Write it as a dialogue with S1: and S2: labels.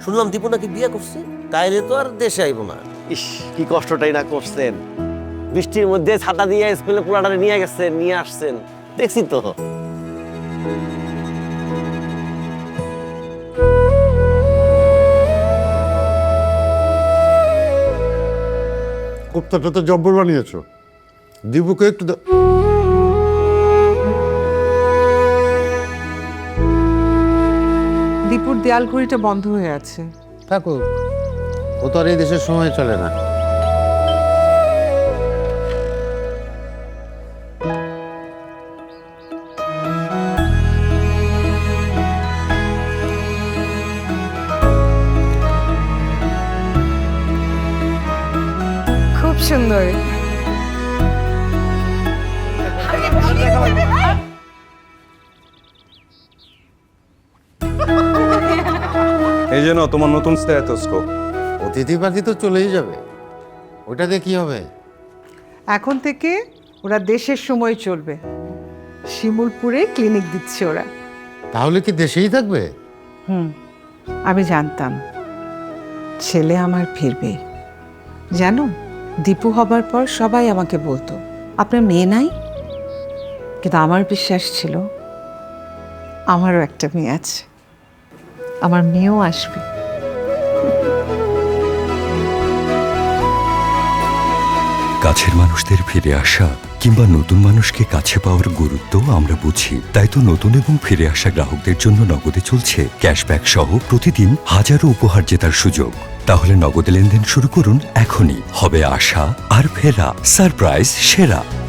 S1: শুনলাম দীপু নাকি বিয়ে করছে, তাইলে তো আর দেশে আইব না।
S2: ইস, কি কষ্টটাই না করছেন। বৃষ্টির মধ্যে ছাতা দিয়ে স্কুলে পোলাটারে নিয়ে গেছেন, নিয়ে আসছেন, দেখছি তো।
S3: কোপ্তাটা তো জব্বর বানিয়েছো। দীপুকে একটু
S4: দীপুর দেয়াল ঘড়িটা বন্ধ হয়ে আছে।
S3: থাকুক, ও তো আর এই দেশের সময় চলে না।
S4: খুব সুন্দর।
S5: এই জন্য তোমার নতুন স্টেথোস্কোপ।
S3: অতিথি পাখি তো চলেই যাবে, ওইটাতে কি হবে?
S4: এখন থেকে ওরা দেশের সময় চলবে। শিমুলপুরে ক্লিনিক দিচ্ছে ওরা।
S3: তাহলে কি দেশেই থাকবে?
S4: আমি জানতাম ছেলে আমার ফিরবে। জানো, দীপু হবার পর সবাই আমাকে বলতো আপনার মেয়ে নাই, কিন্তু আমার বিশ্বাস ছিল আমারও একটা মেয়ে আছে, আমার মেয়েও আসবে।
S6: কাছের মানুষদের ফিরে আসা কিংবা নতুন মানুষকে কাছে পাওয়ার গুরুত্ব আমরা বুঝি, তাই তো নতুন এবং ফিরে আসা গ্রাহকদের জন্য নগদে চলছে ক্যাশব্যাক সহ প্রতিদিন হাজারো উপহার জেতার সুযোগ। তাহলে নগদে লেনদেন শুরু করুন এখনই। হবে আশা আর ফেরা, সারপ্রাইজ সেরা।